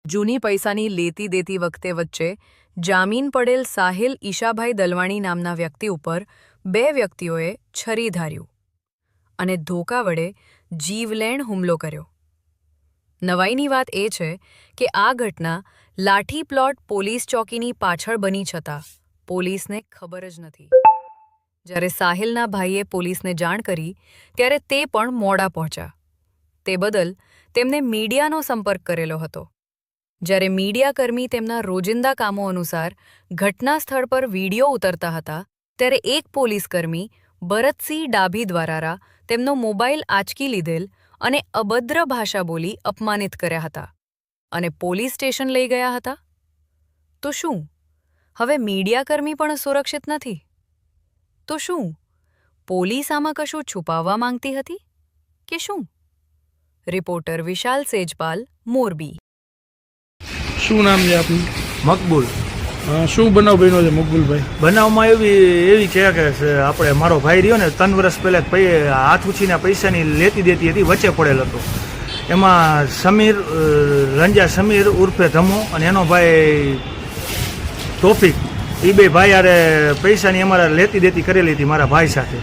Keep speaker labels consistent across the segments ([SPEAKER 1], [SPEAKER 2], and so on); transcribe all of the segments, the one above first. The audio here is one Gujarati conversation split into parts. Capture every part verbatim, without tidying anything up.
[SPEAKER 1] જૂની પૈસાની લેતી દેતી વખતે વચ્ચે જામીન પડેલ સાહિલ ઈશાભાઈ દલવાણી નામના વ્યક્તિ ઉપર બે વ્યક્તિઓએ છરી ધાર્યું અને ધોકા વડે જીવલેણ હુમલો કર્યો. નવાઈની વાત એ છે કે આ ઘટના લાઠી પ્લોટ પોલીસ ચોકીની પાછળ બની છતાં પોલીસને ખબર જ નથી. જ્યારે સાહિલના ભાઈએ પોલીસને જાણ કરી ત્યારે તે પણ મોડા પહોંચ્યા. તે બદલ તેમને મીડિયાનો સંપર્ક કરેલો હતો. જ્યારે મીડિયાકર્મી તેમના રોજિંદા કામો અનુસાર ઘટના સ્થળ પર વિડીયો ઉતરતા હતા ત્યારે એક પોલીસકર્મી ભરતસિંહ ડાભી દ્વારા તેમનો મોબાઈલ આંચકી લીધેલ અને અભદ્ર ભાષા બોલી અપમાનિત કર્યા હતા અને પોલીસ સ્ટેશન લઈ ગયા હતા. તો શું હવે મીડિયાકર્મી પણ સુરક્ષિત નથી? તો શું પોલીસ આમાં કશું છુપાવવા માંગતી હતી કે શું? રિપોર્ટર વિશાલ સેજપાલ, મોરબી.
[SPEAKER 2] શું નામ છે આપનું?
[SPEAKER 3] મકબૂલ.
[SPEAKER 2] શું બનાવ બન્યો છે મકબૂલભાઈ?
[SPEAKER 3] બનાવમાં એવી એવી છે કે આપણે મારો ભાઈ રહ્યો ને ત્રણ વર્ષ પહેલાં હાથ ઉછીના પૈસાની લેતી દેતી હતી, વચ્ચે પડેલ હતો. એમાં સમીર રંજા સમીર ઉર્ફે ધમો અને એનો ભાઈ તોફિક, એ બે ભાઈ યારે પૈસાની અમારા લેતી દેતી કરેલી હતી મારા ભાઈ સાથે.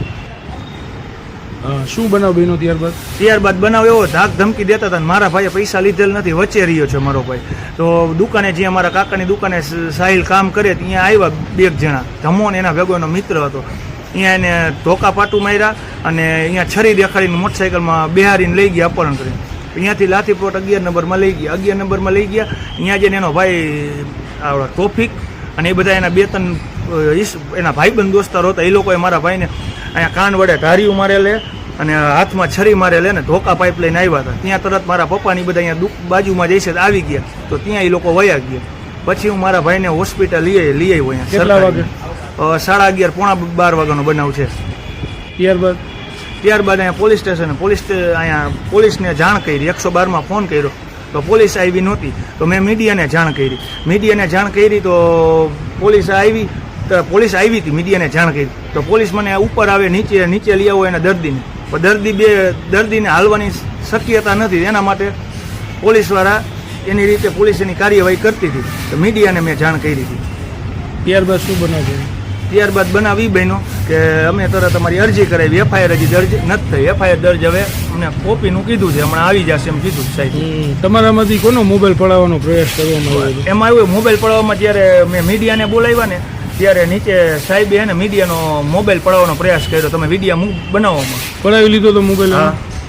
[SPEAKER 2] શું બનાવ બન્યો ત્યારબાદ?
[SPEAKER 3] ત્યારબાદ બનાવ એવો ધાક ધમકી દેતા હતા. મારા ભાઈએ પૈસા લીધેલ નથી, વચ્ચે રહ્યો છે મારો ભાઈ. તો દુકાને જ્યાં મારા કાકાની દુકાને સાહિલ કામ કરે ત્યાં આવ્યા બે જણા, ધમો ને એના ભેગો એનો મિત્ર હતો. અહીંયા એને ધોકા પાટું માર્યા અને અહીંયા છરી દેખાડીને મોટરસાઇકલમાં બેહારીને લઈ ગયા, અપહરણ કરીને. અહીંયાથી લાઠી પ્લોટ અગિયાર નંબરમાં લઈ ગયા. અગિયાર નંબરમાં લઈ ગયા. અહીંયા જઈને એનો ભાઈ આવડો તોફિક અને એ બધા એના બે ત્રણ એના ભાઈબંધ દોસ્તારો હતા. એ લોકોએ મારા ભાઈને અહીંયા કાન વડે ધાર્યું મારેલે અને હાથમાં છરી મારેલે ને ધોકા પાઇપ લઈને આવ્યા હતા. ત્યાં તરત મારા પપ્પાની બધા અહીંયા દુઃખ બાજુમાં જઈશે આવી ગયા. તો ત્યાં એ લોકો વયા ગયા. પછી હું મારા ભાઈને હોસ્પિટલ લઈ લઈ આવ્યો અહીંયા.
[SPEAKER 2] કેટલા વાગે?
[SPEAKER 3] સાડા અગિયાર પોણા બાર વાગ્યાનો બનાવ છે.
[SPEAKER 2] ત્યારબાદ
[SPEAKER 3] ત્યારબાદ અહીંયા પોલીસ સ્ટેશન પોલીસ અહીંયા પોલીસને જાણ કરી, એકસો બારમાં ફોન કર્યો તો પોલીસ આવી નહોતી. તો મેં મીડિયાને જાણ કરી. મીડિયાને જાણ કરી તો પોલીસ આવી તો પોલીસ આવી હતી, મીડિયાને જાણ કરી તો પોલીસ મને ઉપર આવે, નીચે નીચે લઈ આવો એના દર્દીને. પણ દર્દી બે દર્દીને હાલવાની શક્યતા નથી, એના માટે પોલીસવાળા એની રીતે પોલીસ એની કાર્યવાહી કરતી હતી. તો મીડિયાને મેં જાણ કરી હતી.
[SPEAKER 2] ત્યારબાદ શું બનાવ છે?
[SPEAKER 3] ત્યારબાદ બનાવ એ બન્યો કે અમે તરત અમારી અરજી કરાવી. એફઆઈઆર હજી દર્જ નથી થઈ. એફઆઈઆર દર્જ હવે અમને કોપીનું કીધું છે, હમણાં આવી જશે એમ કીધું સાહેબ.
[SPEAKER 2] તમારામાંથી કોનો મોબાઈલ પડાવવાનો પ્રયાસ કરવામાં આવ્યો?
[SPEAKER 3] એમાં આવ્યું મોબાઈલ પડાવવામાં જ્યારે મેં મીડિયાને બોલાવ્યા ને ત્યારે નીચે સાહેબે એને મીડિયાનો મોબાઈલ પડાવવાનો પ્રયાસ કર્યો. તમે વિડીયો બનાવવામાં
[SPEAKER 2] પડાવી લીધો તો મોબાઈલ?
[SPEAKER 3] હા.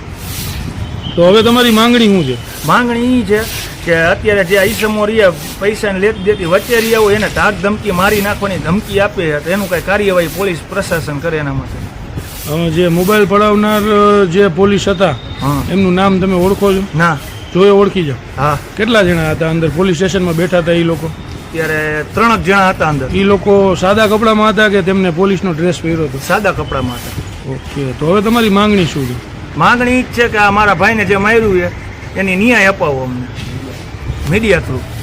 [SPEAKER 2] તો હવે તમારી માંગણી શું છે?
[SPEAKER 3] માંગણી એ છે કે અત્યારે જે ઈસમો રહ્યા પૈસાને લેતી દેતી વચ્ચે રહ્યા હોય એને ધાક ધમકી મારી નાખવાની ધમકી આપે તો એનું કંઈ કાર્યવાહી પોલીસ પ્રશાસન કરે એના માટે.
[SPEAKER 2] જે મોબાઈલ પડાવનાર જે પોલીસ હતા એમનું નામ તમે ઓળખો છો?
[SPEAKER 3] ના.
[SPEAKER 2] જોયે ઓળખી જાઓ?
[SPEAKER 3] હા.
[SPEAKER 2] કેટલા જણા હતા અંદર પોલીસ સ્ટેશનમાં બેઠા હતા એ લોકો?
[SPEAKER 3] ત્યારે ત્રણ જણા હતા અંદર.
[SPEAKER 2] એ લોકો સાદા કપડામાં હતા કે તેમને પોલીસનો ડ્રેસ પહેર્યો હતો?
[SPEAKER 3] સાદા કપડામાં હતા.
[SPEAKER 2] ઓકે. તો હવે તમારી માંગણી શું છે?
[SPEAKER 3] માંગણી જ છે કે આ મારા ભાઈને જે માર્યું છે એની ન્યાય અપાવો અમને મીડિયા થ્રુ.